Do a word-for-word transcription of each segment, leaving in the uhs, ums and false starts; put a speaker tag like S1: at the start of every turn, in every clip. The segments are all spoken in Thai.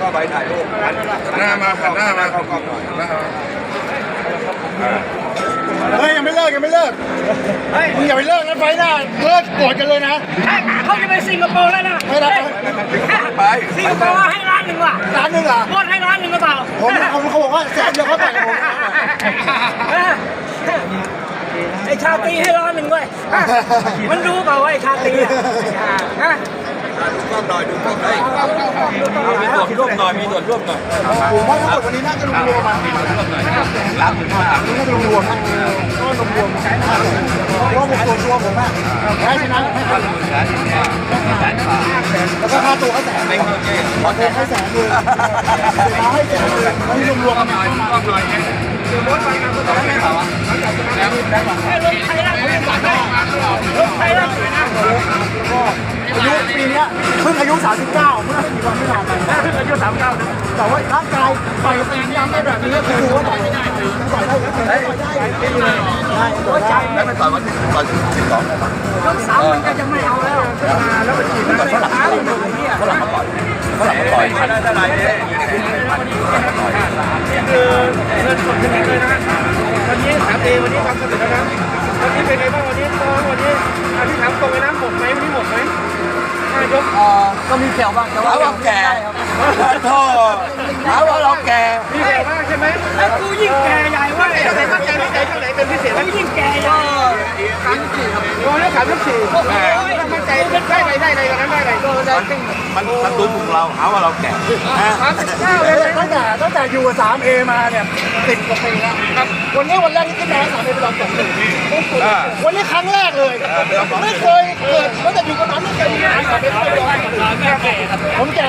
S1: ก็ไปถ่ายรูป
S2: หน้ามาหันหน้ามา
S1: เข้ากล้องหน่อย
S3: เฮ้ยยังไม่เลิกยังไม่เลิกมึงอย่าไปเลิกนะไฟหน้าเลิกโกรธกันเลยนะ
S4: เขาจะไปสิงคโปร์แล้วนะ
S3: ไม่ได้
S1: ไป
S4: สิงคโปร์ให้ร้านหนึ่งว่ะ
S3: ร้านนึงเหรอ
S4: โคตรให้ร้านหนึ่งก็เปล่า
S3: ผมเขาเขาบอกว่าแสนเดียวเขาแต่งผม
S4: ไอชาตีให้ร้านหนึ่งเว้ยมันรู้เปล่าว่าไอชาตีฮะ
S1: ดูกล้องหน่อยดูกล้องหน่อยมีส่วนร่วมหน่อยมีส่วนร่วมหน่อย
S3: ผมว่าทั้งหมดวันนี้น่าจะรวมๆมา
S1: รับถึงมาก
S3: น่าจะรวมๆนะก็รวมๆเพราะว่าผมตัวตัวผมอะแพ้ชนะให้คนแล้วก็ค่าตัวให้แสนขอโทษให้แสนเลยมาให้แสนเลยแล้วนี่รวมๆกันหน่อยกล้องหน่อย
S4: รถไฟนะรถไฟนะรถไฟนะผมยังสั่งได้รถไฟนะ
S3: อายุปีนี้เพิ่งอายุสามสิบเก้าเมื่อไม่กี่วันไม่นานไป
S4: เพิ่งอายุสามสิบเก้านะ
S3: แต่ว่าร่างกายต่อยตีนย้ำได้แบบนี้ก็คือว่าต่อยไม่ได้ต่อยได้ต่อยได้ต่อยได้ได้
S4: หัวใจ
S1: แล้วไปต่อยวันที่ต่อยสิบสองได้ปะ
S4: ยกสามมันก็จะไม่เอาแล้วแล้วมันฉีดมันก็ฝรั่ง
S1: ฝรั่งมาต่อยฝรั่งมาต่อยได้ได้ได้
S4: คือเงินสดขนาดเลยนะวันนี้ถามเอวันนี้ความสำเร็จแล้วนะวันนี้เป็นไงบ้างวันนี้ตอนวันนี้อธิษฐานตรงไปนะหมดไหมวันนี้หมดไหมนายก
S3: ก็มีแขวบ้างแต่ว่า
S1: เราแก่โทษหาว่าเราแก่
S4: มีแก่บ้างใช่ไหมไอ้กูยิ่งแก่ใหญ่เว้ยแต่ตั้งใจตั้งใจตั้งใจเป็นพิเศษแล้วยิ่งแก่ใหญ่สามสิบสี่ครับโอ้ยสามสิบสี่ตั้งใจได้ไรได้ไรกันนั้นได้ไรก็ได้
S1: มันมันดูถูกเราหาว่าเราแก่
S4: สามสิบเก้าเลย
S3: ตั้งแต่ตั้งแต่อยู่กับสามเอมาเนี่ยสิบกว่าปีแล้วครับวันนี้วันแรกที่ขึ้นมาสามเอเป็นรองสองหนึ่งวันนี้ครั้งแรกเลยไม่เคยเกิดตั้งแต่อยู่กับน้ำไม่เคยมีอะไรแบบนี้เลยผมแก่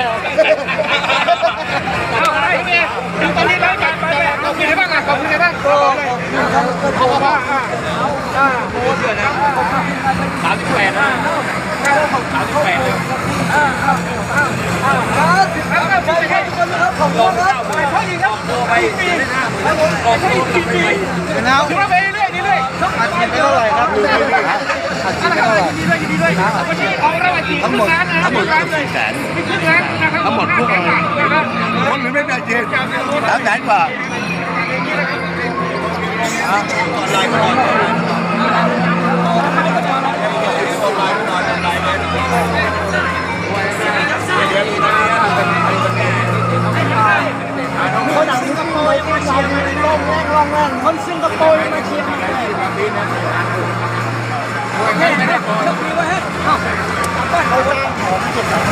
S4: เอาอะไรเนี่ยตอนนี้เราจะไปแบบเราเป็นไงบ้างอ่ะขอบคุณไงบ้างก็ขอบคุณว่าอ่าอ่าโอ้เดือนนะสามสิบแปดนะสามสิบแปดเลยอ่าอ่าอ่าอ่าครับครับขอบคุณทุกคนนะครับขอบคุณครับไปพ่อยิงครับไปปีครับผมขอบคุณปีปีแล้วถือว่าไปเรื่อยเรื่อยทุกอาทิตย์เท่าไหร่ครับดูดีนะอาทิตย์เท่าไหร่ยินดีด้วยยินดีด้วยวันนี้ของเราอาทิตย์ทั้งหมดทั้งหมดสี่แสนทั้งหมดพวกเราคนหรือไม่ได้เจ็ดสามแสนกว่า
S1: ไล่มาหน่อย
S3: คนหนังสิงคโปร์คนเราล่องแรงล่องแรงคนสิงคโปร์มาเชียร์เขาจ้างของเก็บ